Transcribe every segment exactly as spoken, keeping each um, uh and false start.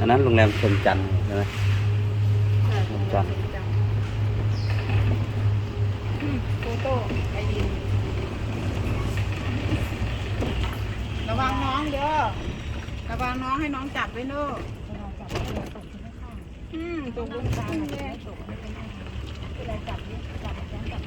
นนั้นโรงแรมชมจันทร์ใช่ไหมชมจันทร์โฟโต้ไอดินระวังน้องเด้อระวังน้องให้น้องจับไว้เนอะอืมตรงบนกลางเลยเวลาจับนี่จับจับจับ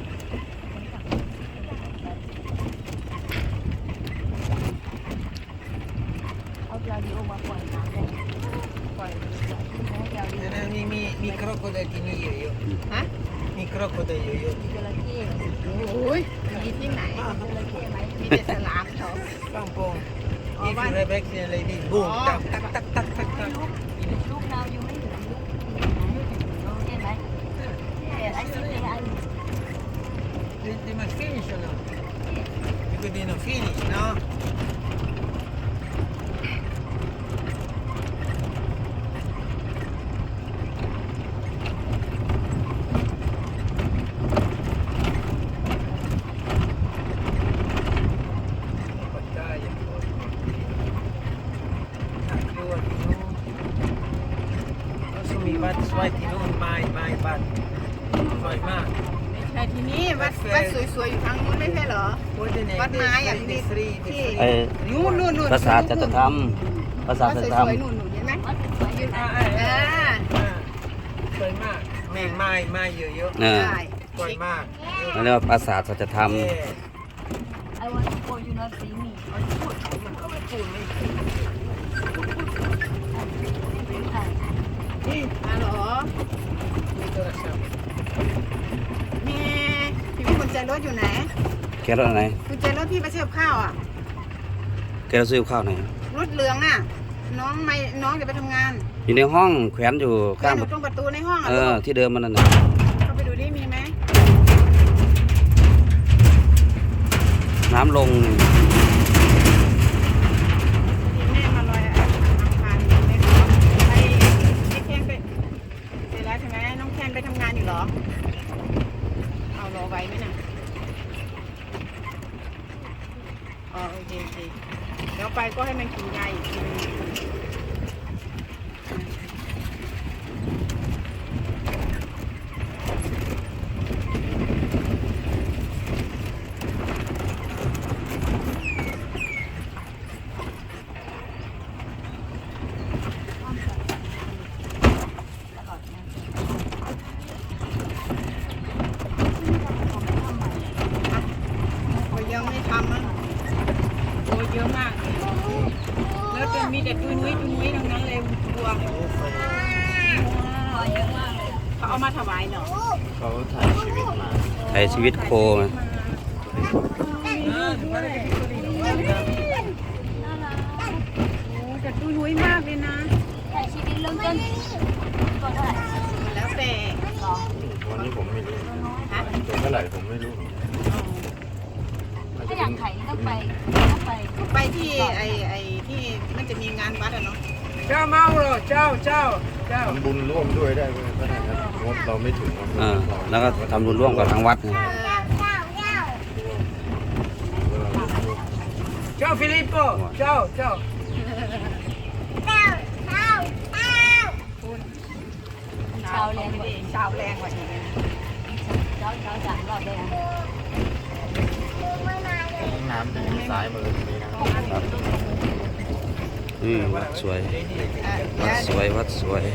เอาปลาดิโอมาปล่อยน้ำเลยปล่อยมีมีมีครอกโคไดที่นี่เยอะฮะมีครอกโคไดเยอะมีจระเข้โอ้ยมีที่ไหนจระเข้ไหมมีแต่ฉลามเขาๆปังปองนี่คือเรเบคเนี่ยเลยดิบูมตักตักตักตักตักตักลูกเราอยู่ไม่ถึงเห็นไหมไอ้สิ่งนี้ไอ้ They, they must finish or not? Because they don't finish, no? มีวัดสวยที่นู่นไม้ไม้บัดสวยมากไม่ใช่ที่นี่วัดวัดสวยๆอยู่ทางนู้นไม่ใช่เหรอวัดไม้อย่างนี้ที่นู่นนู่นนู่นภาษาจัตธรรมภาษาจัตธรรมสวยๆนู่นนู่นเห็นไหมยืนอ่าสวยมากแม่ไม้ไม้เยอะๆสวยมากนั่นเรียกว่าภาษาจัตธรรม I want to go you not see me มันก็ไม่พูดไม่นี่ฮัลโหลมีโทรศัพท์มีพี่มีกุญแจรถอยู่ไหนแกรถอะไรกุญแจรถพี่ไปซื้อข้าวอ่ะแกรถซื้อข้าวไหนรถเหลืองอ่ะน้องไม่น้องจะไปทำงานอยู่ในห้องแขวนอยู่ข้างตรงประตูในห้องอ่ะเออที่เดิมมันนั่นน่ะเข้าไปดูดิมีไหมน้ำลงแม่มาลอยอังคารไม่รู้ไอ้ไอ้แคนไปเสร็จแล้วใช่ไหมน้องแคนไปทำงานอยู่หรอเอารอไว้ไหมน่ะอ๋อโอเคโอเคเดี๋ยวไปก็ให้มันกินยาอีกทีนึงยังไม่ทำมั้งโอ้เยอะมากแล้วจะมีแต่ตุ้ยนุ้ยตุ้ยนุ้ยทั้งนั้นเลยบัวเยอะมากเลยเขาเอามาถวายเนาะเขาถ่ายชีวิตมาถ่ายชีวิตโคมาแต่ตุ้ยนุ้ยมากเลยนะถ่ายชีวิตเริ่มต้นก่อนเท่าไหร่แล้วแต่วันนี้ผมไม่รู้ตัวเท่าไหร่ผมไม่รู้ถ้าอยากถ่ายต้องไปต้องไปไปที่ไอไอที่มันจะมีงานวัดอะเนาะเจ้าเมาเหรอเจ้าเจ้าเจ้าทำบุญร่วมด้วยได้ก็ได้ครับงบเราไม่ถึงอ่าแล้วก็ทำบุญร่วมกับทางวัดเจ้าฟิลิปโปเจ้าเจ้าชาวแรงกว่าชาวแรงกว่าอีกเช้าเช้าสามรอบเลยนะน้ำอยู่ซ้ายมือนี้นะครับอืมวัดสวยวัดสวยวัดสวย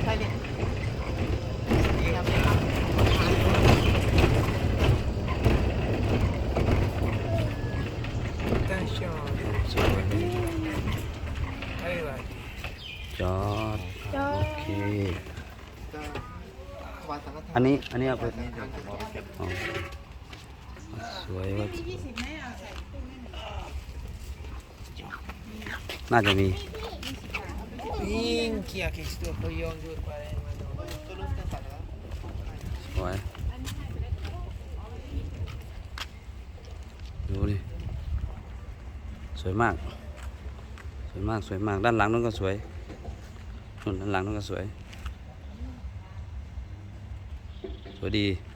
สวยจอดโอเคอันนี้อันนี้เอาไปสวยวัดน่าจะมีสวยดูดิสวยมากสวยมากสวยมากด้านหลังนู้นก็สวยด้านหลังนู้นก็สวยสวยดี